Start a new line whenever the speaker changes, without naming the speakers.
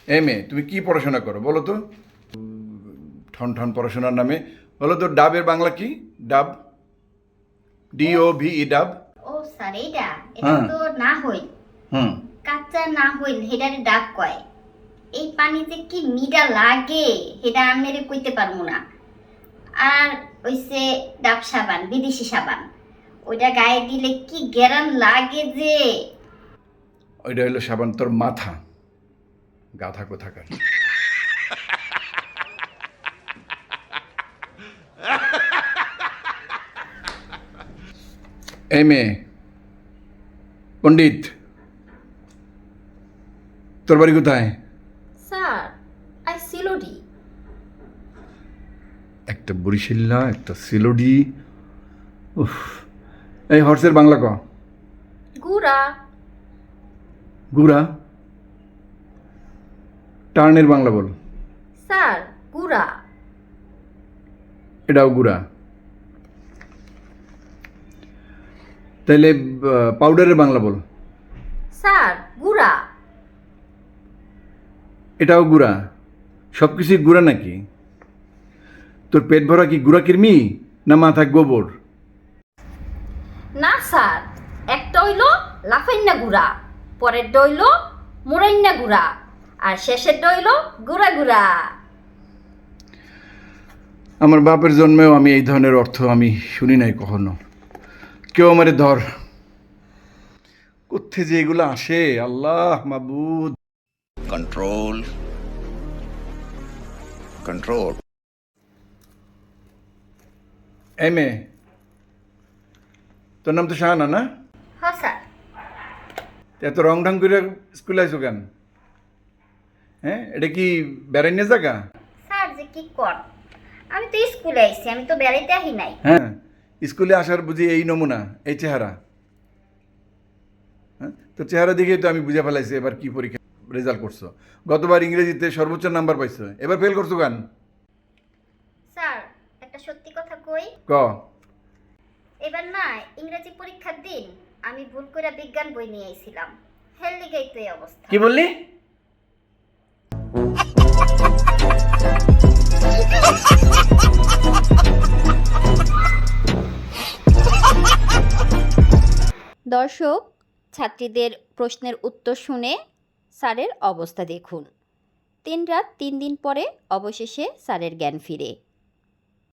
M A, তুমি কি পড়াশোনা করো বলো তো? ঠন ঠন পড়াশোনার নামে বলো তো, ডাবের বাংলা কি? ডাব, DOVE, ডাব।
ও স্যার, এটা এটা
হ্যাঁ।
তো না হইল।
হুম।
কাঁচা না হইল হেডারে ডাব কয়। এই পানিতে কি মিডা লাগে হেডা আমেরে কইতে পারবো না। আর ওইসে ডাব সাবান, বিদেশি সাবান, ওইটা গায়ে দিলে কি গ্যারান লাগে যে।
ওইটা হলো সাবান তোর মাথা, গাধা কোথাকার। এম এ, পণ্ডিত, তোর বাড়ি কোথায়?
স্যার, আই সিলোডি।
একটা বরিশাল্লা, একটা সিলোডি। উফ। এই হর্সের বাংলা ক।
গুড়া।
গুড়া। টার্নের বাংলা বল।
স্যার, গুড়া।
এটাও গুড়া। তাহলে পাউডারের বাংলা বল।
স্যার, গুড়া।
এটাও গুড়া। সব কিছুই গুড়া নাকি? তোর পেট ভরা কি গুড়া কিরমি, না মাথা গোবর?
না স্যার, একটা হইল লাফাইন্না গুড়া, পরের হইল মোরাইন্না গুড়া, আর শেষের হইল গুড়া গুড়া।
আমার বাপের জন্মেও আমি এই ধরনের অর্থ আমি শুনি নাই কখনো। কেউ আমারে ধর, কোথে যে এগুলো আসে, আল্লাহ মাবুদ।
control control
এম এ, তোর নাম তো শাহানা না?
হ স্যার।
এত রং ঢং করে স্কুলে আইসো কেন? হ্যাঁ, এটা কি বেড়াইনে জায়গা?
স্যার যে কি কর, আমি তো স্কুলে আইছি, আমি তো বেড়াইতে আহি নাই।
হ্যাঁ, স্কুলে আসার বুঝি এই নমুনা, এই চেহারা? হ্যাঁ, তোর চেহারা দেখেই তো আমি বুঝে ফেলাইছি এবার কি পরীক্ষা রেজাল্ট করছো। গতবার ইংরেজিতে সর্বোচ্চ নাম্বার পাইছো, এবার ফেল করছো কেন?
স্যার, একটা সত্যি কথা কই।
ক।
এবার না ইংরেজি পরীক্ষার দিন আমি ভুল করে বিজ্ঞান বই নিয়ে আইছিলাম, হেল লিগেই তো এই অবস্থা।
কি বললি?
দর্শক, ছাত্রীদের প্রশ্নের উত্তর শুনে স্যারের অবস্থা দেখুন। 3 রাত 3 দিন পরে অবশেষে স্যারের জ্ঞান ফিরে।